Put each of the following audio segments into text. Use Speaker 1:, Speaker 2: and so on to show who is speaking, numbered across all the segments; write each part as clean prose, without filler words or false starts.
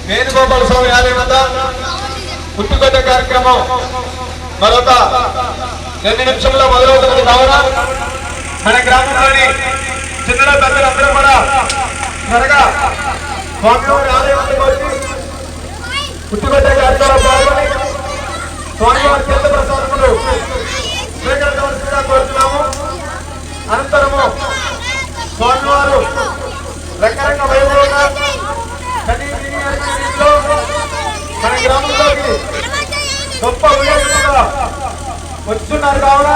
Speaker 1: వేణుగోపాల స్వామి ఆలయం వద్ద పుట్టుకొట్టే కార్యక్రమం మరొక 2 నిమిషంలో మొదలవుతున్నది కావున మన గ్రామంలోని చిన్న పెద్దలందరూ కూడా త్వరగా స్వామివారి ఆలయం వద్దకు వచ్చి పుట్టుకొట్టే కార్యక్రమం పాల్గొని స్వామివారి తీర్థ ప్రసాదములు స్వీకరించవలసిందిగా కోరుతున్నాము. అనంతరము స్వామివారు రకరకాల వైభవంగా మన గ్రామంలోకి గొప్ప ఉల్లేఖంగా వస్తున్నారు కావున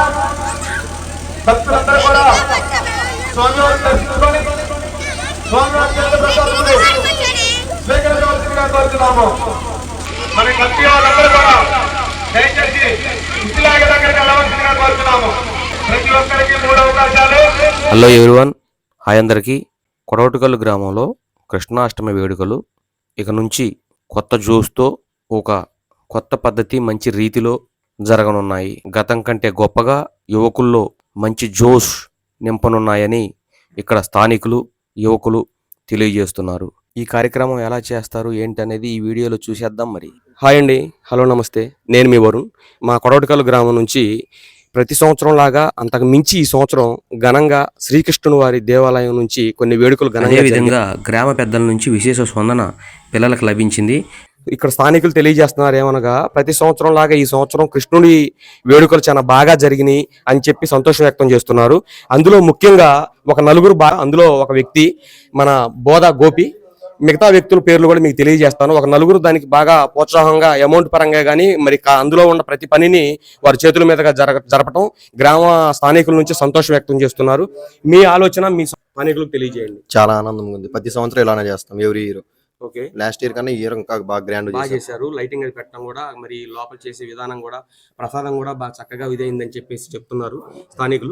Speaker 1: భక్తులందరూ కూడా స్వామివారిని దర్శించుకొని స్వామివారి తీర్థ ప్రసాదములు స్వీకరించవలసిందిగా కోరుతున్నాము. మన కమిటీ వాళ్ళందరూ కూడా దయచేసి ఇలాగే దగ్గరికి వెళ్ళవలసిందిగా కోరుతున్నాము. ప్రతి ఒక్కరికి 3 అవకాశాలు.
Speaker 2: హలో ఎవ్రీవన్, హాయ్ అందరికీ. కొడవటికల్లు గ్రామంలో కృష్ణాష్టమి వేడుకలు ఇక నుంచి కొత్త జోష్తో ఒక కొత్త పద్ధతి మంచి రీతిలో జరగనున్నాయి. గతం కంటే గొప్పగా యువకుల్లో మంచి జోష్ నింపనున్నాయని ఇక్కడ స్థానికులు యువకులు తెలియజేస్తున్నారు. ఈ కార్యక్రమం ఎలా చేస్తారు ఏంటనేది ఈ వీడియోలో చూసేద్దాం. మరి హాయ్ అండి, హలో నమస్తే, నేను మీ వరుణ్. మా కొడవటికల్లు గ్రామం నుంచి ప్రతి సంవత్సరం లాగా అంతకు మించి ఈ సంవత్సరం ఘనంగా శ్రీకృష్ణుని వారి దేవాలయం నుంచి కొన్ని వేడుకలు ఘనంగా విధంగా గ్రామ పెద్దల నుంచి విశేష స్పందన పిల్లలకు లభించింది. ఇక్కడ స్థానికులు తెలియజేస్తున్నారు ఏమనగా ప్రతి సంవత్సరం లాగా ఈ సంవత్సరం కృష్ణుడి వేడుకలు చాలా బాగా జరిగినాయి అని చెప్పి సంతోషం వ్యక్తం చేస్తున్నారు. అందులో ముఖ్యంగా ఒక నలుగురు అందులో ఒక వ్యక్తి మన బోధ గోపి, మిగతా వ్యక్తుల పేర్లు కూడా మీకు తెలియజేస్తాను. ఒక నలుగురు దానికి బాగా ప్రోత్సాహంగా అమౌంట్ పరంగా కానీ మరి అందులో ఉన్న ప్రతి పనిని వారి చేతుల మీదుగా జరపడం గ్రామ స్థానికుల నుంచి సంతోషం వ్యక్తం చేస్తున్నారు. మీ ఆలోచన మీ స్థానికులకు తెలియజేయండి.
Speaker 3: చాలా ఆనందంగా ఉంది. ప్రతి సంవత్సరం ఇలానే చేస్తాం every year.
Speaker 2: Okay,
Speaker 3: last year కన్నా ఈ ఇయర్ ఇంకా బాగా గ్రాండ్
Speaker 2: చేశారు. లైటింగ్ అది పెట్టడం కూడా మరి లోపల చేసే విధానం కూడా ప్రసాదం కూడా బాగా చక్కగా ఇదైందని చెప్పేసి చెప్తున్నారు స్థానికులు.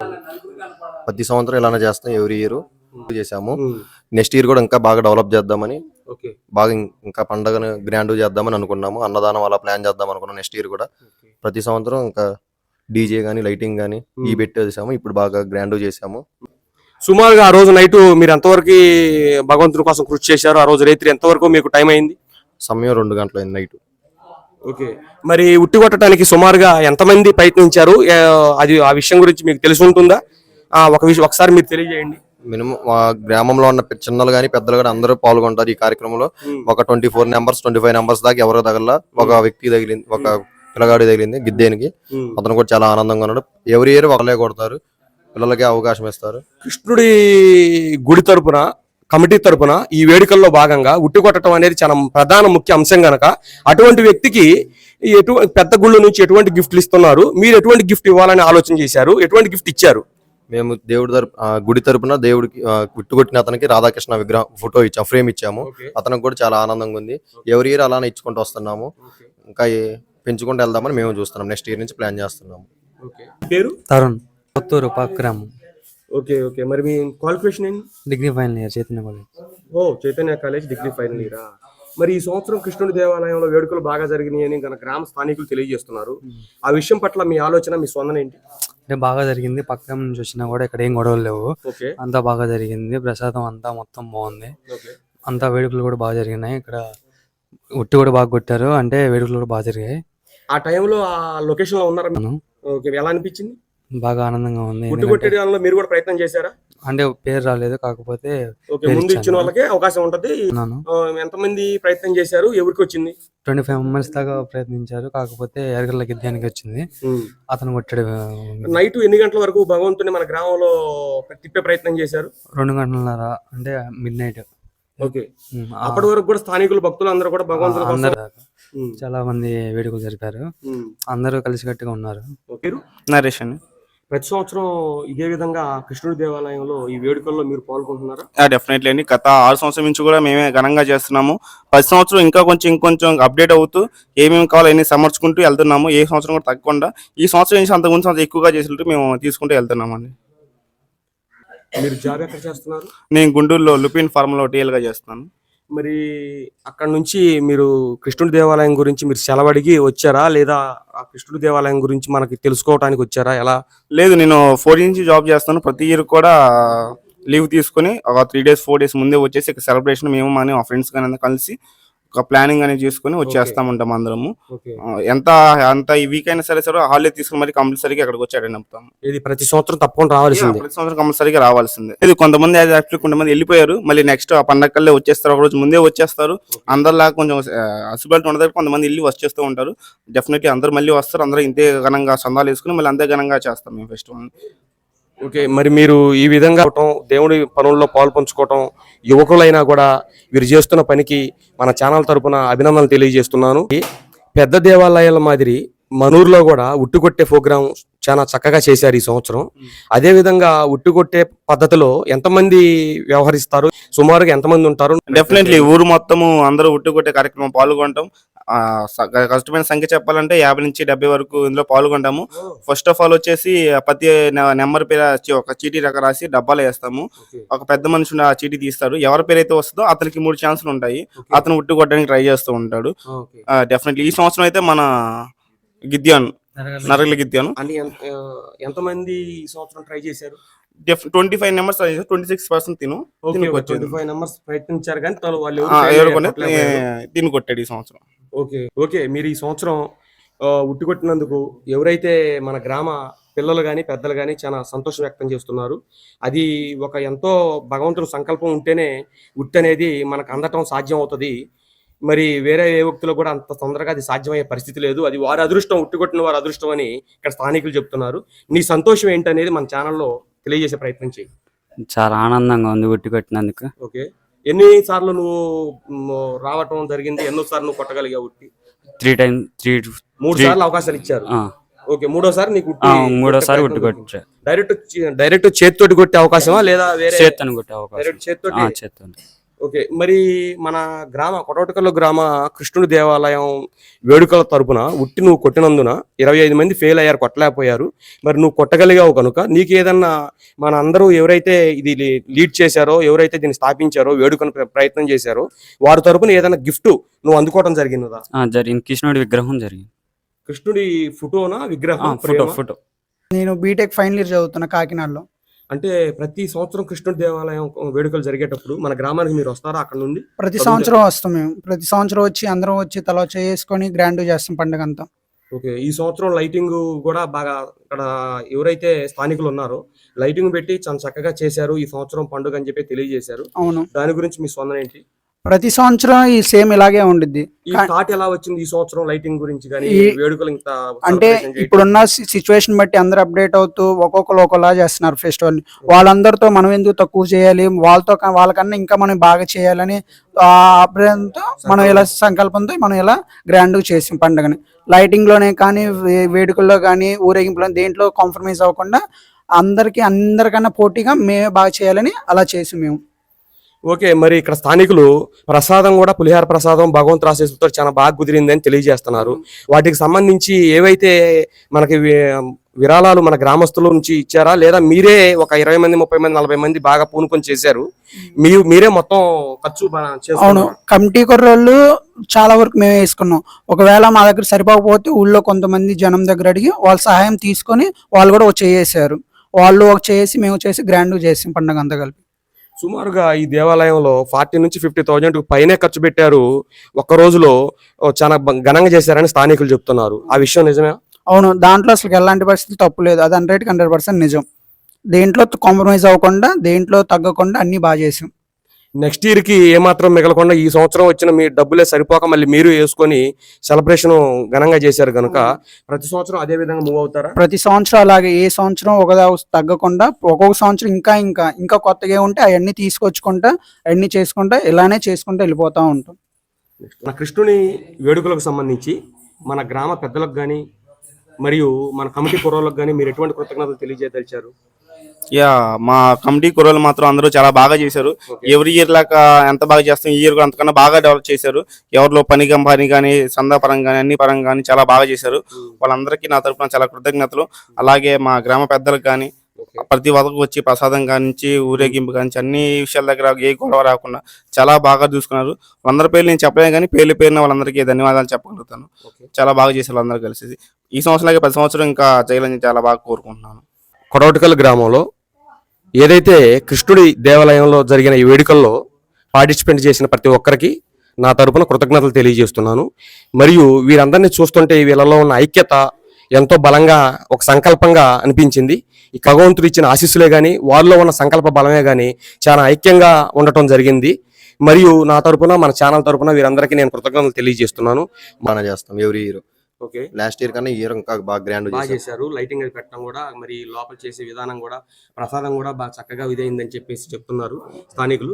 Speaker 3: ప్రతి సంవత్సరం ఇలానే చేస్తాం ఎవ్రీ ఇయర్ చేసాము. నెక్స్ట్ ఇయర్ కూడా ఇంకా బాగా డెవలప్ చేద్దామని, బాగా ఇంకా పండుగను గ్రాండ్ చేద్దామని అనుకున్నాము. అన్నదానం అలా ప్లాన్ చేద్దాం అనుకున్నాం. నెక్స్ట్ ఇయర్ కూడా ప్రతి సంవత్సరం ఇంకా డీజే గానీ లైటింగ్ గానీ ఈ పెట్టేసాము. ఇప్పుడు బాగా గ్రాండ్ చేసాము.
Speaker 2: సుమారుగా ఆ రోజు నైట్ మీరు ఎంతవరకు భగవంతుని కోసం కృషి చేశారు? ఆ రోజు రాత్రి ఎంతవరకు మీకు టైం అయింది?
Speaker 3: సమయం 2 గంటలు అయింది నైట్.
Speaker 2: ఓకే, మరి ఉట్టి కొట్టడానికి సుమారుగా ఎంతమంది ప్రయత్నించారు? అది ఆ విషయం గురించి మీకు తెలిసి ఉంటుందా? ఒకసారి మీరు తెలియజేయండి.
Speaker 3: మినిమం మా గ్రామంలో ఉన్న చిన్నలు గానీ పెద్దలు గానీ అందరూ పాల్గొంటారు ఈ కార్యక్రమంలో. ఒక 24 నెంబర్స్ 25 నెంబర్స్ దాకా ఎవరో తగల ఒక వ్యక్తి తగిలింది, ఒక పిల్లగాడి తగిలింది గిద్దేనికి. అతను కూడా చాలా ఆనందంగా ఉన్నాడు. ఎవరి ఇయర్ ఒకలే కొడతారు, పిల్లలకి అవకాశం ఇస్తారు.
Speaker 2: కృష్ణుడి గుడి తరపున కమిటీ తరపున ఈ వేడుకల్లో భాగంగా ఉట్టి కొట్టడం అనేది చాలా ప్రధాన ముఖ్య అంశం గనక అటువంటి వ్యక్తికి పెద్ద గుళ్ళు నుంచి ఎటువంటి గిఫ్ట్లు ఇస్తున్నారు? మీరు ఎటువంటి గిఫ్ట్ ఇవ్వాలని ఆలోచన చేశారు? ఎటువంటి గిఫ్ట్ ఇచ్చారు?
Speaker 3: మేము దేవుడి గుడి తరపున దేవుడికి గుట్టుకొట్టిన అతనికి రాధాకృష్ణ విగ్రహం ఫోటో ఇచ్చాము, ఫ్రేమ్ ఇచ్చాము. అతనికి కూడా చాలా ఆనందంగా ఉంది. ఎవరి ఇయర్ అలానే ఇచ్చుకుంటూ వస్తున్నాము. ఇంకా పెంచుకుంటూ వెళ్దామని మేము చూస్తున్నాం. నెక్స్ట్ ఇయర్ నుంచి ప్లాన్ చేస్తున్నాము.
Speaker 2: పేరు
Speaker 4: తరుణ్, కొత్తూరు పక్కరాము.
Speaker 2: ఓకే ఓకే, మరి మీ క్వాలిఫికేషన్ ఏంటి?
Speaker 4: Degree final year Chaitanya college.
Speaker 2: Chaitanya college degree final ఇయరా? మరి ఈ సంవత్సరం కృష్ణుడి దేవాలయంలో వేడుకలు బాగా జరిగినాయి అని గ్రామ స్థానికులు తెలియజేస్తున్నారు. ఆ విషయం పట్ల మీ ఆలోచన, మీ స్పందన ఏంటి?
Speaker 4: అంటే బాగా జరిగింది. పక్కన నుంచి వచ్చినా కూడా ఇక్కడ ఏం గొడవలు లేవు. అంతా బాగా జరిగింది. ప్రసాదం అంతా మొత్తం బాగుంది. అంతా వేడుకలు కూడా బాగా జరిగినాయి. ఇక్కడ ఉట్టి కూడా బాగా కొట్టారు. అంటే వేడుకలు కూడా బాగా జరిగాయి.
Speaker 2: ఆ టైంలో ఆ లొకేషన్ లో ఉన్నారా? ఎలా అనిపించింది?
Speaker 4: బాగా ఆనందంగా ఉంది.
Speaker 2: ఉట్టి కొట్టేయడంలో మీరు కూడా ప్రయత్నం చేశారా?
Speaker 4: అంటే పేరు రాలేదు, కాకపోతే
Speaker 2: ముందు ఇచ్చిన వాళ్ళకే అవకాశం ఉంటది. ఎంతమంది ప్రయత్నం చేశారు? ఎవరికి వచ్చింది?
Speaker 4: 25 మెంబర్స్ దాకా ప్రయత్నించారు. కాకపోతే ఎరగల గిద్దానికి వచ్చింది. అతను కొట్టాడు.
Speaker 2: నైట్ ఎన్ని గంటల వరకు భగవంతుని మన గ్రామంలో తిప్పే ప్రయత్నం చేశారు?
Speaker 4: 2 గంటలన్నర, అంటే మిడ్ నైట్.
Speaker 2: ఓకే, అప్పటి వరకు కూడా స్థానికులు భక్తులు అందరూ కూడా భగవంతుని
Speaker 4: చాలా మంది వేడుకలు జరిపారు. అందరూ కలిసికట్టుగా ఉన్నారు.
Speaker 2: నరేష్ అండి. ప్రతి సంవత్సరం ఇదే విధంగా కృష్ణుడి దేవాలయంలో ఈ వేడుకల్లో మీరు పాల్గొంటున్నారా?
Speaker 5: డెఫినెట్లీ అండి. గత 6 సంవత్సరం నుంచి కూడా మేమే ఘనంగా చేస్తున్నాము. 10 సంవత్సరం ఇంకా ఇంకొంచెం అప్డేట్ అవుతూ ఏమేమి కావాలో అన్ని సమర్చుకుంటూ వెళ్తున్నాము. ఏ సంవత్సరం కూడా తగ్గకుండా ఈ సంవత్సరం నుంచి అంతకుముందు ఎక్కువగా చేసినట్టు మేము తీసుకుంటూ వెళ్తున్నాము అండి.
Speaker 2: మీరు జాబ్ ఎక్కడ చేస్తున్నారు?
Speaker 5: నేను గుంటూరులో లుపిన్ ఫార్మ్లో టీఎల్ గా చేస్తున్నాను.
Speaker 2: మరి అక్కడ నుంచి మీరు కృష్ణుడి దేవాలయం గురించి మీరు సెలవడిగి వచ్చారా, లేదా ఆ కృష్ణుడి దేవాలయం గురించి మనకి తెలుసుకోవడానికి వచ్చారా? ఎలా?
Speaker 5: లేదు, నేను 4 నుంచి జాబ్ చేస్తాను. ప్రతి ఇయర్ కూడా లీవ్ తీసుకుని ఒక 3 days 4 days ముందే వచ్చేసి సెలబ్రేషన్ మేము మా ఫ్రెండ్స్ కానీ కలిసి ఒక ప్లానింగ్ అనేది చేసుకుని వచ్చేస్తా ఉంటాం అందరము. ఎంత అంత ఈ వీక్ అయినా సరే హాలిడే తీసుకుని మరి కంపల్సరీగా అక్కడికి వచ్చి అటెండ్ అవుతాం.
Speaker 2: ఇది ప్రతి సంవత్సరం తప్పకుండా రావాల్సిందే.
Speaker 5: ప్రతి సంవత్సరం కంపల్సరీగా రావాల్సిందే. ఇది కొంతమంది యాక్చువల్లీ కొంతమంది వెళ్ళిపోయారు, మళ్ళీ నెక్స్ట్ ఆ పండగకల్లే వచ్చేస్తారు, ఒక రోజు ముందే వచ్చేస్తారు. అందరిలా కొంచెం అసిబిలిటీ ఉండదు, కొంతమంది వెళ్ళి వచ్చేస్తూ ఉంటారు. డెఫినెట్లీ అందరూ మళ్ళీ వస్తారు, అందరూ ఇంతే ఘనంగా సందాలు వేసుకుని మళ్ళీ అంతే ఘనంగా చేస్తాం మేము ఫెస్టివల్.
Speaker 2: ఓకే, మరి మీరు ఈ విధంగా దేవుడి పనుల్లో పాలు పంచుకోవటం, యువకులైనా కూడా వీరు చేస్తున్న పనికి మన ఛానల్ తరపున అభినందనలు తెలియజేస్తున్నాను. పెద్ద దేవాలయాల మాదిరి మనూరులో కూడా ఉట్టుకొట్టే ప్రోగ్రాం చాలా చక్కగా చేశారు ఈ సంవత్సరం. అదే విధంగా ఉట్టుకొట్టే పద్ధతిలో ఎంతమంది వ్యవహరిస్తారు, సుమారుగా ఎంతమంది ఉంటారు?
Speaker 5: డెఫినెట్లీ ఊరు మొత్తము అందరూ ఉట్టుకొట్టే కార్యక్రమం పాల్గొంటాం. కష్టమైన సంఖ్య చెప్పాలంటే 50 నుంచి 70 వరకు ఇందులో పాల్గొంటాము. ఫస్ట్ ఆఫ్ ఆల్ వచ్చేసి ప్రతి నెంబర్ పేరు ఒక చీటీ రక రాసి డబ్బాలో వేస్తాము. ఒక పెద్ద మనిషి ఆ చీటీ తీస్తారు, ఎవరి పేరు అయితే వస్తుందో అతనికి 3 ఛాన్సులు ఉంటాయి. అతను ఉట్టు కొట్టడానికి ట్రై చేస్తూ ఉంటాడు. డెఫినెట్లీ ఈ సంవత్సరం అయితే మన గిద్యాను నరగల గిద్యాను
Speaker 2: ఎంతమంది ఈ సంవత్సరం ట్రై చేశారు?
Speaker 5: 25 నెంబర్స్ 26% తిను
Speaker 2: 25 నెంబర్స్ ప్రయత్నించారు కానీ వాళ్ళు
Speaker 5: తిని కొట్టాడు ఈ సంవత్సరం.
Speaker 2: ఓకే, మీరు ఈ సంవత్సరం ఉట్టికొట్టినందుకు ఎవరైతే మన గ్రామ పిల్లలు కానీ పెద్దలు కానీ చాలా సంతోషం వ్యక్తం చేస్తున్నారు. అది ఒక ఎంతో భగవంతుని సంకల్పం ఉంటేనే ఉట్టి అనేది మనకు అందటం సాధ్యం అవుతుంది. మరి వేరే ఏ వ్యక్తులు కూడా అంత తొందరగా అది సాధ్యమయ్యే పరిస్థితి లేదు. అది వారి అదృష్టం, ఉట్టికొట్టిన వారి అదృష్టం అని ఇక్కడ స్థానికులు చెప్తున్నారు. నీ సంతోషం ఏంటనేది మన ఛానల్లో తెలియజేసే ప్రయత్నం చేయి.
Speaker 6: చాలా ఆనందంగా ఉంది ఉట్టి కొట్టినందుకు.
Speaker 2: ఓకే, ఎన్ని సార్లు నువ్వు రావటం జరిగింది? ఎన్నోసార్లు నువ్వు కొట్టగలిగావు ఉట్టి?
Speaker 6: 3
Speaker 2: సార్లు అవకాశాలు ఇచ్చారు. ఓకే, మూడోసారి నీకు
Speaker 6: మూడోసారి ఉట్టి కొట్టా.
Speaker 2: డైరెక్ట్ చేతితోటి కొట్టే అవకాశమా లేదా వేరే
Speaker 6: చేత్తోని కొట్టే అవకాశం?
Speaker 2: చేతితోటి. ఓకే, మరి మన గ్రామ కొటవటకల్లు గ్రామ కృష్ణుడి దేవాలయం వేడుకల తరపున ఉట్టి నువ్వు కొట్టినందున 25 మంది ఫెయిల్ అయ్యారు, కొట్టలేకపోయారు. మరి నువ్వు కొట్టగలిగావు కనుక నీకు ఏదన్నా మన అందరూ ఎవరైతే ఇది లీడ్ చేశారో, ఎవరైతే దీన్ని స్థాపించారో, వేడుకను ప్రయత్నం చేశారో వారి తరపున ఏదైనా గిఫ్ట్ నువ్వు అందుకోవడం జరిగిందా?
Speaker 6: జరిగింది. కృష్ణుడి విగ్రహం జరిగింది.
Speaker 2: కృష్ణుడి ఫోటోనా విగ్రహం?
Speaker 6: ఫోటో.
Speaker 7: నేను బీటెక్ ఫైనల్ ఇయర్ చదువుతున్నా కాకినాడలో.
Speaker 2: అంటే ప్రతి సంవత్సరం కృష్ణుడి దేవాలయం వేడుకలు జరిగేటప్పుడు మన గ్రామానికి మీరు వస్తారా? అక్కడ నుండి
Speaker 7: ప్రతి సంవత్సరం వస్తాం మేము. ప్రతి సంవత్సరం వచ్చి అందరం వచ్చి తల చేసుకొని గ్రాండ్ చేస్తాం పండుగ అంతా.
Speaker 2: ఓకే, ఈ సంవత్సరం లైటింగ్ కూడా బాగా ఇక్కడ ఎవరైతే స్థానికులు ఉన్నారో లైటింగ్ పెట్టి చాలా చక్కగా చేశారు ఈ సంవత్సరం పండుగ అని చెప్పి తెలియజేశారు.
Speaker 7: అవును,
Speaker 2: దాని గురించి మీ స్పందన ఏంటి?
Speaker 7: ప్రతి సంవత్సరం ఈ సేమ్ ఇలాగే ఉండిద్ది.
Speaker 2: ఈ థాట్ ఎలా వచ్చింది ఈ సంవత్సరం లైటింగ్ గురించి కానీ వేడుకలు ఇంత?
Speaker 7: అంటే ఇప్పుడున్న సిచ్యువేషన్ బట్టి అందరు అప్డేట్ అవుతూ ఒక్కొక్కరు ఒకలా చేస్తున్నారు ఫెస్టివల్. వాళ్ళందరితో మనం ఎందుకు తక్కువ చేయాలి, వాళ్ళకన్నా ఇంకా మనం బాగా చేయాలని ఆ అభిప్రాయంతో మనం ఇలా సంకల్పంతో మనం ఇలా గ్రాండ్ చేసాం పండుగని. లైటింగ్ లోనే కానీ వేడుకల్లో కానీ ఊరేగింపులో దేంట్లో కాంప్రమైజ్ అవ్వకుండా అందరికన్నా పోటీగా మేమే బాగా చేయాలని అలా చేసి మేము.
Speaker 2: ఓకే, మరి ఇక్కడ స్థానికులు ప్రసాదం కూడా పులిహార ప్రసాదం భగవంతు ఆశీస్సులతో చాలా బాగా కుదిరిందని తెలియజేస్తున్నారు. వాటికి సంబంధించి ఏవైతే మనకి విరాళాలు మన గ్రామస్తుల నుంచి ఇచ్చారా లేదా మీరే ఒక 20 మంది 30 మంది 40 మంది బాగా పూనుకొని చేశారు? మీరే మొత్తం ఖర్చు?
Speaker 7: అవును, కమిటీ కుర్రోళ్ళు చాలా వరకు మేమే వేసుకున్నాం. ఒకవేళ మా దగ్గర సరిపోకపోతే ఊళ్ళో కొంతమంది జనం దగ్గర అడిగి వాళ్ళ సహాయం తీసుకొని వాళ్ళు కూడా ఒక చేసారు. వాళ్ళు ఒక చేసి మేము చేసి గ్రాండ్ చేసాం పండుగ అంతా కలిపి.
Speaker 2: సుమారుగా ఈ దేవాలయంలో 40 నుంచి 50,000 పైనే ఖర్చు పెట్టారు. ఒక్క రోజులో చాలా ఘనంగా చేశారని స్థానికులు చెప్తున్నారు. ఆ విషయం నిజమే?
Speaker 7: అవును, దాంట్లో అసలు ఎలాంటి పరిస్థితులు తప్పు లేదు. అది 100% నిజం. దేంట్లో కాంప్రమైజ్ అవ్వకుండా దేంట్లో తగ్గకుండా అన్ని బాగా చేసాం.
Speaker 2: నెక్స్ట్ ఇయర్ కి ఏమాత్రం మిగలకుండా ఈ సంవత్సరం వచ్చిన మీ డబ్బులే సరిపోక మళ్ళీ మీరు వేసుకొని సెలబ్రేషన్ ఘనంగా చేశారు కనుక ప్రతి సంవత్సరం అదే విధంగా మూవ్ అవుతారా?
Speaker 7: ప్రతి సంవత్సరం అలాగే ఏ సంవత్సరం ఒక తగ్గకుండా ఒక్కొక్క సంవత్సరం ఇంకా కొత్తగా ఉంటే అవన్నీ తీసుకొచ్చుకుంటా అవన్నీ చేసుకుంటా ఇలానే చేసుకుంటా వెళ్ళిపోతా ఉంటాం.
Speaker 2: మన కృష్ణుని వేడుకలకు సంబంధించి మన గ్రామ పెద్దలకు కానీ మరియు మన కమిటీ కుర్రోళ్ళకు కానీ మీరు ఎటువంటి కృతజ్ఞతలు తెలియజేయదలిచారు?
Speaker 5: మా కమిటీ కుర్రోళ్ళు మాత్రం అందరూ చాలా బాగా చేశారు. ఎవ్రీ ఇయర్ లాగా ఎంత బాగా చేస్తాం ఈ ఇయర్ కూడా అంతకన్నా బాగా డెవలప్ చేశారు. ఎవరిలో పని కానీ సందా పరంగా కానీ అన్ని పరంగా కానీ చాలా బాగా చేశారు. వాళ్ళందరికీ నా తరఫున చాలా కృతజ్ఞతలు. అలాగే మా గ్రామ పెద్దలకు కానీ ప్రతి ఒక్కరికి వచ్చి ప్రసాదం కానించి ఊరేగింపు కానించి అన్ని విషయాల దగ్గర ఏ గొడవ రాకుండా చాలా బాగా చూసుకున్నారు. వాళ్ళందరి పేర్లు నేను చెప్పలేను కానీ పేరున వాళ్ళందరికీ ధన్యవాదాలు చెప్పగలుగుతాను. చాలా బాగా చేశారు వాళ్ళందరూ కలిసి. ఈ సంవత్సరం 10 సంవత్సరం ఇంకా చేయాలని చాలా బాగా కోరుకుంటున్నాను.
Speaker 2: కొడవటికల్ గ్రామంలో ఏదైతే కృష్ణుడి దేవాలయంలో జరిగిన ఈ వేడుకల్లో పార్టిసిపేట్ చేసిన ప్రతి ఒక్కరికి నా తరపున కృతజ్ఞతలు తెలియజేస్తున్నాను. మరియు వీరందరినీ చూస్తుంటే వీళ్ళలో ఉన్న ఐక్యత ఎంతో బలంగా ఒక సంకల్పంగా అనిపించింది. ఈ భగవంతుడు ఇచ్చిన ఆశీస్సులే కానీ వారిలో ఉన్న సంకల్ప బలమే కానీ చాలా ఐక్యంగా ఉండటం జరిగింది. మరియు నా తరపున మన ఛానల్ తరపున వీరందరికీ నేను కృతజ్ఞతలు తెలియజేస్తున్నాను.
Speaker 3: బాగా చేస్తాం every year.
Speaker 2: Okay,
Speaker 3: last year కన్నా ఈ ఇయర్ ఇంకా బాగా గ్రాండ్
Speaker 2: బాగా చేశారు. లైటింగ్ అది పెట్టడం కూడా, మరి లోపల చేసే విధానం కూడా, ప్రసాదం కూడా బాగా చక్కగా ఇదైందని చెప్పేసి చెప్తున్నారు స్థానికులు.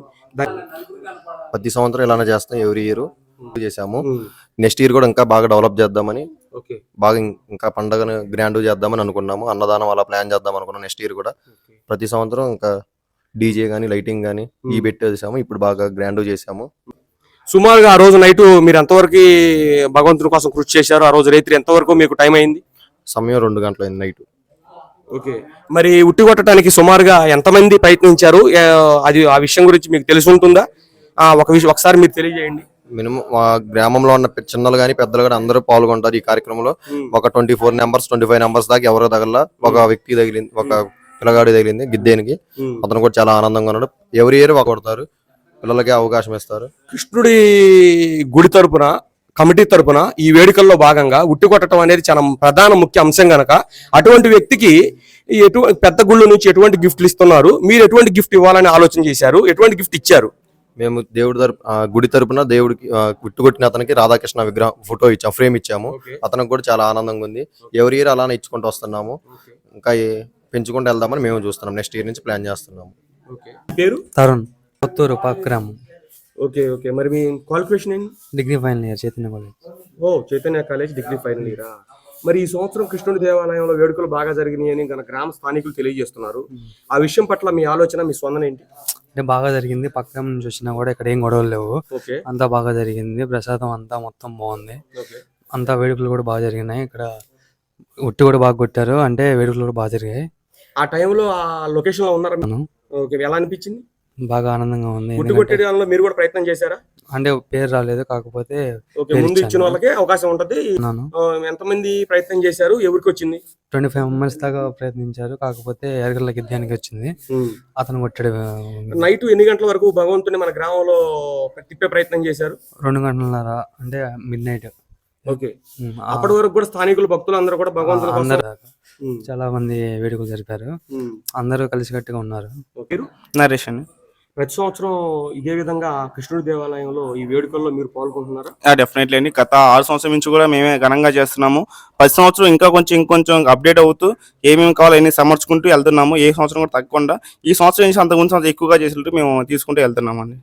Speaker 3: ప్రతి సంవత్సరం ఇలానే చేస్తాం ఎవ్రీ ఇయర్ చేసాము. నెక్స్ట్ ఇయర్ కూడా ఇంకా బాగా డెవలప్ చేద్దామని,
Speaker 2: ఓకే,
Speaker 3: బాగా ఇంకా పండగను గ్రాండ్ చేద్దామని అనుకున్నాము. అన్నదానం అలా ప్లాన్ చేద్దాం అనుకున్నాం. నెక్స్ట్ ఇయర్ కూడా ప్రతి సంవత్సరం ఇంకా డీజే గానీ లైటింగ్ గానీ ఈ పెట్టేసాము. ఇప్పుడు బాగా గ్రాండ్ చేసాము.
Speaker 2: సుమారుగా ఆ రోజు నైట్ మీరు ఎంతవరకు భగవంతుని కోసం కృషి చేశారు? ఆ రోజు రాత్రి ఎంతవరకు మీకు టైం అయింది?
Speaker 3: సమయం 2 గంటలైంది నైట్.
Speaker 2: ఓకే, మరి ఉట్టి కొట్టడానికి సుమారుగా ఎంతమంది ప్రయత్నించారు? అది ఆ విషయం గురించి మీకు తెలిసి ఉంటుందా? ఒకసారి మీరు తెలియజేయండి.
Speaker 3: మినిమం మా గ్రామంలో ఉన్న చిన్నలు గానీ పెద్దలు గానీ అందరూ పాల్గొంటారు ఈ కార్యక్రమంలో. ఒక 24 నెంబర్స్ 25 నెంబర్స్ దాకా ఎవరో తగల. ఒక వ్యక్తి తగిలింది, ఒక పిల్లగాడి తగిలింది గిద్దేనికి. అతను కూడా చాలా ఆనందంగా ఉన్నాడు. ఎవరి ఇయర్ కొడతారు, పిల్లలకి అవకాశం ఇస్తారు.
Speaker 2: కృష్ణుడి గుడి తరపున, కమిటీ తరపున ఈ వేడుకల్లో భాగంగా ఉట్టి కొట్టడం అనేది చాలా ప్రధాన ముఖ్య అంశం గనక అటువంటి వ్యక్తికి పెద్ద గుళ్ళు నుంచి ఎటువంటి గిఫ్ట్లు ఇస్తున్నారు? మీరు ఎటువంటి గిఫ్ట్ ఇవ్వాలని ఆలోచన చేశారు? ఎటువంటి గిఫ్ట్ ఇచ్చారు?
Speaker 3: మేము దేవుడి గుడి తరపున దేవుడికి గుట్టుకొట్టిన అతనికి రాధాకృష్ణ విగ్రహం ఫోటో ఇచ్చాము, ఫ్రేమ్ ఇచ్చాము. అతనికి కూడా చాలా ఆనందంగా ఉంది. ఎవరి ఇయర్ అలానే ఇచ్చుకుంటూ వస్తున్నాము. ఇంకా పెంచుకుంటూ వెళ్దామని మేము చూస్తున్నాం. నెక్స్ట్ ఇయర్ నుంచి ప్లాన్ చేస్తున్నాము.
Speaker 2: పేరు
Speaker 4: తరుణ్, కొత్తూరు పక్కరాము.
Speaker 2: ఓకే ఓకే, మరి మీ క్వాలిఫికేషన్ ఏంటి?
Speaker 4: Degree final year Chaitanya college.
Speaker 2: ఓ, చైతన్య కాలేజ్ డిగ్రీ ఫైనల్ ఇయరా. మరి ఈ సంవత్సరం కృష్ణుడి దేవాలయంలో వేడుకలు బాగా జరిగినాయి అని గ్రామ స్థానికులు తెలియజేస్తున్నారు. ఆ విషయం పట్ల మీ ఆలోచన, మీ స్పందన ఏంటి?
Speaker 4: అంటే బాగా జరిగింది. పక్కన నుంచి వచ్చినా కూడా ఇక్కడ ఏం గొడవలు లేవు.
Speaker 2: ఓకే,
Speaker 4: అంతా బాగా జరిగింది. ప్రసాదం అంతా మొత్తం బాగుంది. అంతా వేడుకలు కూడా బాగా జరిగినాయి. ఇక్కడ ఉట్టి కూడా బాగా కొట్టారు. అంటే వేడుకలు కూడా బాగా జరిగాయి.
Speaker 2: ఆ టైంలో ఆ లొకేషన్ లో ఉన్నారా? ఓకే, ఎలా అనిపించింది?
Speaker 4: బాగా ఆనందంగా ఉంది.
Speaker 2: ఉట్టి కొట్టేయడంలో మీరు కూడా ప్రయత్నం చేశారా?
Speaker 4: అంటే పేరు రాలేదు, కాకపోతే
Speaker 2: ఓకే, ముందు ఇచ్చిన వాళ్ళకే అవకాశం ఉంటది. ఎంతమంది ప్రయత్నం చేశారు? ఎవరికి వచ్చింది?
Speaker 4: 25 మెంబర్స్ దాకా ప్రయత్నించారు. కాకపోతే ఎరగల గిద్దానికి వచ్చింది. అతను కొట్టాడు.
Speaker 2: నైట్ ఎన్ని గంటల వరకు భగవంతుని మన గ్రామంలో తిప్పే ప్రయత్నం చేశారు?
Speaker 4: 2 గంటలన్నర, అంటే మిడ్ నైట్.
Speaker 2: ఓకే, అప్పటి వరకు కూడా స్థానికులు భక్తులు అందరూ కూడా భగవంతుని
Speaker 4: అందరు చాలా మంది వేడుకలు జరిపారు. అందరూ కలిసికట్టుగా ఉన్నారు.
Speaker 5: నరేష్ అని.
Speaker 2: ప్రతి సంవత్సరం ఇదే విధంగా కృష్ణుడి దేవాలయంలో ఈ వేడుకల్లో మీరు పాల్గొంటున్నారా?
Speaker 5: డెఫినెట్లీ అండి. గత 6 సంవత్సరం నుంచి కూడా మేమే ఘనంగా చేస్తున్నాము. 10 సంవత్సరం ఇంకా ఇంకొంచెం అప్డేట్ అవుతూ ఏమేమి కావాలో అన్ని సమర్చుకుంటూ వెళ్తున్నాము. ఏ సంవత్సరం కూడా తగ్గకుండా ఈ సంవత్సరం నుంచి అంతకుముందు ఎక్కువగా చేసినట్టు మేము తీసుకుంటూ వెళ్తున్నామండి.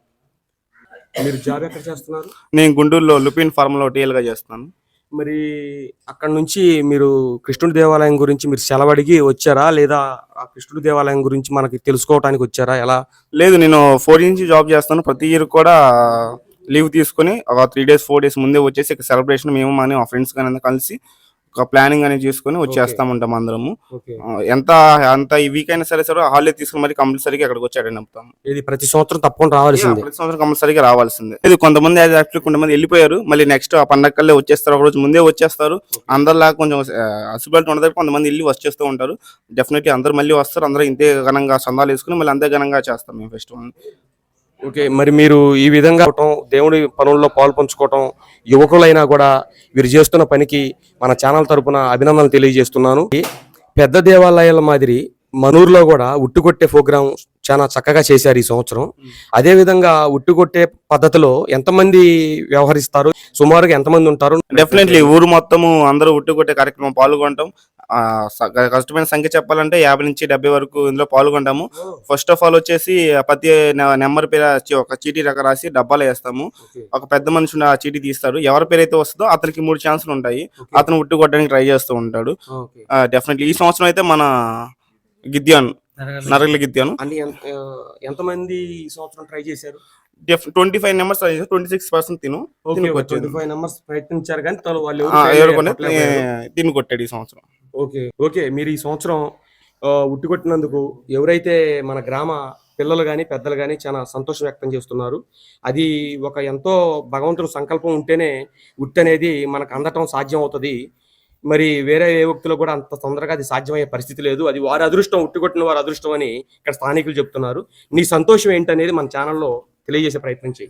Speaker 2: మీరు జాబ్ ఎక్కడ చేస్తున్నారు?
Speaker 5: నేను గుంటూరులో లుపిన్ ఫార్మ్లో టీఎల్గా చేస్తున్నాను.
Speaker 2: మరి అక్కడ నుంచి మీరు కృష్ణుడి దేవాలయం గురించి మీరు సెలవడిగి వచ్చారా, లేదా ఆ కృష్ణుడి దేవాలయం గురించి మనకి తెలుసుకోవడానికి వచ్చారా? ఎలా?
Speaker 5: లేదు, నేను 4 నుంచి జాబ్ చేస్తాను. ప్రతి ఇయర్ కూడా లీవ్ తీసుకుని ఒక 3 days 4 days ముందే వచ్చేసి ఇక్కడ సెలబ్రేషన్ మేము మా ఫ్రెండ్స్ కానీ కలిసి ఒక ప్లానింగ్ అనేది చేసుకుని వచ్చేస్తా ఉంటాం అందరము. ఎంత ఈ వీక్ అయినా సరే హాలిడే తీసుకుని మరి కంపల్సరీగా అక్కడికి వచ్చి అటెండ్ అవుతాము.
Speaker 2: ఇది ప్రతి సంవత్సరం తప్పకుండా రావాల్సిందే.
Speaker 5: ప్రతి సంవత్సరం కంపల్సరీగా రావాల్సిందే. ఇది కొంతమంది కొంతమంది వెళ్ళిపోయారు, మళ్ళీ నెక్స్ట్ ఆ పండగకల్లే వచ్చేస్తారు. ఒక రోజు ముందే వచ్చేస్తారు. అందరిలాగా కొంచెం అసిబిలిటీ ఉండదు, కొంతమంది వెళ్ళి వచ్చేస్తూ ఉంటారు. డెఫినెట్లీ అందరూ మళ్ళీ వస్తారు. అందరూ ఇంతే ఘనంగా సందాలు వేసుకుని మళ్ళీ అంతే ఘనంగా చేస్తాం మేము ఫెస్టివల్.
Speaker 2: ఓకే, మరి మీరు ఈ విధంగా దేవుడి పనుల్లో పాల్పంచుకోవటం, యువకులైనా కూడా వీరు చేస్తున్న పనికి మన ఛానల్ తరపున అభినందనలు తెలియజేస్తున్నాను. పెద్ద దేవాలయాల మాదిరి మనూరులో కూడా ఉట్టుకొట్టే ప్రోగ్రాం చాలా చక్కగా చేశారు ఈ సంవత్సరం. అదే విధంగా ఉట్టుకొట్టే పద్ధతిలో ఎంతమంది వ్యవహరిస్తారు? సుమారుగా ఎంతమంది ఉంటారు?
Speaker 5: డెఫినెట్లీ ఊరు మొత్తము అందరూ ఉట్టుకొట్టే కార్యక్రమం పాల్గొంటాం. కష్టమైన సంఖ్య చెప్పాలంటే 50 నుంచి 70 వరకు ఇందులో పాల్గొంటాము. ఫస్ట్ ఆఫ్ ఆల్ వచ్చేసి ప్రతి నెంబర్ పేరు ఒక చీటీ రాసి డబ్బాలో వేస్తాము. ఒక పెద్ద మనిషి ఆ చీటీ తీస్తారు. ఎవరి పేరు అయితే వస్తుందో అతనికి 3 ఛాన్సులు ఉంటాయి. అతను ఉట్టు కొట్టడానికి ట్రై చేస్తూ ఉంటాడు. డెఫినెట్లీ ఈ సంవత్సరం అయితే మన గిద్యాను నరగల గిద్యాను
Speaker 2: ఎంతమంది ఈ సంవత్సరం ట్రై చేశారు?
Speaker 5: 25 నెంబర్స్ 26% తిను
Speaker 2: 25 నెంబర్స్ ప్రయత్నించారు కానీ
Speaker 5: తిని కొట్టాడు ఈ సంవత్సరం.
Speaker 2: ఓకే ఓకే, మీరు ఈ సంవత్సరం ఉట్టి కొట్టినందుకు ఎవరైతే మన గ్రామ పిల్లలు కానీ పెద్దలు కానీ చాలా సంతోషం వ్యక్తం చేస్తున్నారు. అది ఒక ఎంతో భగవంతుడు సంకల్పం ఉంటేనే ఉట్టి అనేది మనకు అందటం సాధ్యం అవుతుంది. మరి వేరే ఏ వ్యక్తులు కూడా అంత తొందరగా అది సాధ్యమయ్యే పరిస్థితి లేదు. అది వారి అదృష్టం, ఉట్టికొట్టిన వారి అదృష్టం అని ఇక్కడ స్థానికులు చెప్తున్నారు. నీ సంతోషం ఏంటనేది మన ఛానల్లో తెలియజేసే ప్రయత్నం చేయి.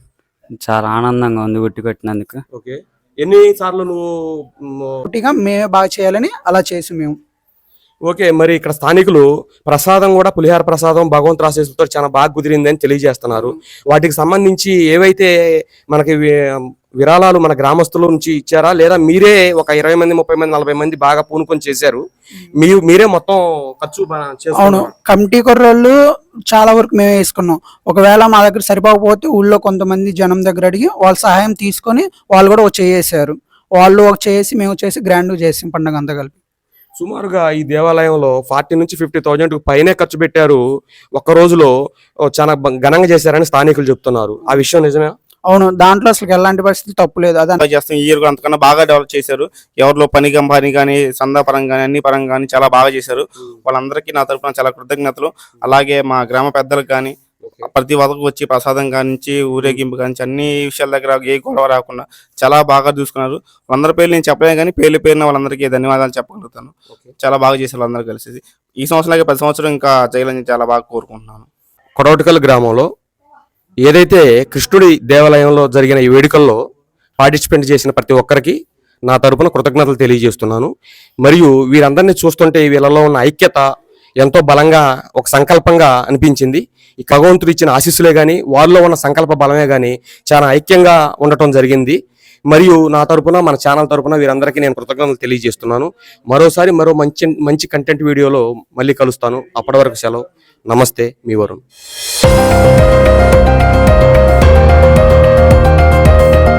Speaker 6: చాలా ఆనందంగా ఉంది ఉట్టి కొట్టినందుకు.
Speaker 2: ఓకే. ఎన్ని సార్లు నువ్వు
Speaker 7: ఒకటిగా మేమే బాగా చేయాలని అలా చేసి మేము
Speaker 2: ఓకే. మరి ఇక్కడ స్థానికులు ప్రసాదం కూడా పులిహార ప్రసాదం భగవంతు ఆశీస్సులతో చాలా బాగా కుదిరిందని తెలియజేస్తున్నారు. వాటికి సంబంధించి ఏవైతే మనకి విరాళాలు మన గ్రామస్తుల నుంచి ఇచ్చారా, లేదా మీరే ఒక 20 మంది 30 మంది 40 మంది బాగా పూనుకొని చేశారు, మీరే మొత్తం ఖర్చు
Speaker 7: అవును,
Speaker 2: చేసుకున్నారు?
Speaker 7: కమిటీ కుర్రోళ్ళు చాలా వరకు మేమే వేసుకున్నాం. ఒకవేళ మా దగ్గర సరిపోకపోతే ఊళ్ళో కొంతమంది జనం దగ్గర అడిగి వాళ్ళ సహాయం తీసుకొని వాళ్ళు కూడా ఒక చేసారు. వాళ్ళు ఒక చేసి మేము చేసి గ్రాండ్ చేసాం పండుగ అంతా కలిపి.
Speaker 2: సుమారుగా ఈ దేవాలయంలో 40 నుంచి 50,000 పైనే ఖర్చు పెట్టారు. ఒక్క రోజులో చాలా ఘనంగా చేశారని స్థానికులు చెప్తున్నారు. ఆ విషయం నిజమే?
Speaker 7: అవును, దాంట్లో అసలు ఎలాంటి పరిస్థితి తప్పు లేదు. అదే
Speaker 5: చేస్తాం. ఈ ఇయర్ అంతకన్నా బాగా డెవలప్ చేశారు. ఎవరిలో పని కానీ సందా పరంగా కానీ అన్ని పరంగా కానీ చాలా బాగా చేశారు. వాళ్ళందరికీ నా తరపున చాలా కృతజ్ఞతలు. అలాగే మా గ్రామ పెద్దలకు కానీ ప్రతి ఒక్కరికి వచ్చి ప్రసాదం కానించి ఊరేగింపు కానించి అన్ని విషయాల దగ్గర ఏ గొడవ రాకుండా చాలా బాగా చూసుకున్నారు. వాళ్ళందరి పేర్లు నేను చెప్పలేను కానీ పేరున వాళ్ళందరికీ ధన్యవాదాలు చెప్పగలుగుతాను. చాలా బాగా చేశారు అందరూ కలిసి. ఈ సంవత్సరం ప్రతి సంవత్సరం ఇంకా చేయాలని చాలా బాగా కోరుకుంటున్నాను.
Speaker 2: కొడవటికల్ గ్రామంలో ఏదైతే కృష్ణుడి దేవాలయంలో జరిగిన ఈ వేడుకల్లో పార్టిసిపేట్ చేసిన ప్రతి ఒక్కరికి నా తరపున కృతజ్ఞతలు తెలియజేస్తున్నాను. మరియు వీరందరినీ చూస్తుంటే వీళ్ళలో ఉన్న ఐక్యత ఎంతో బలంగా ఒక సంకల్పంగా అనిపించింది. ఈ భగవంతుడు ఇచ్చిన ఆశీస్సులే కానీ వాళ్ళలో ఉన్న సంకల్ప బలమే కానీ చాలా ఐక్యంగా ఉండటం జరిగింది. మరియు నా తరపున మన ఛానల్ తరపున వీరందరికీ నేను కృతజ్ఞతలు తెలియజేస్తున్నాను. మరోసారి మరో మంచి కంటెంట్ వీడియోలో మళ్ళీ కలుస్తాను. అప్పటి వరకు సెలవు. నమస్తే, మీ Varun.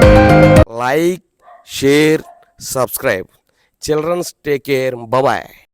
Speaker 2: Like, share, subscribe. Children, take care. Bye bye.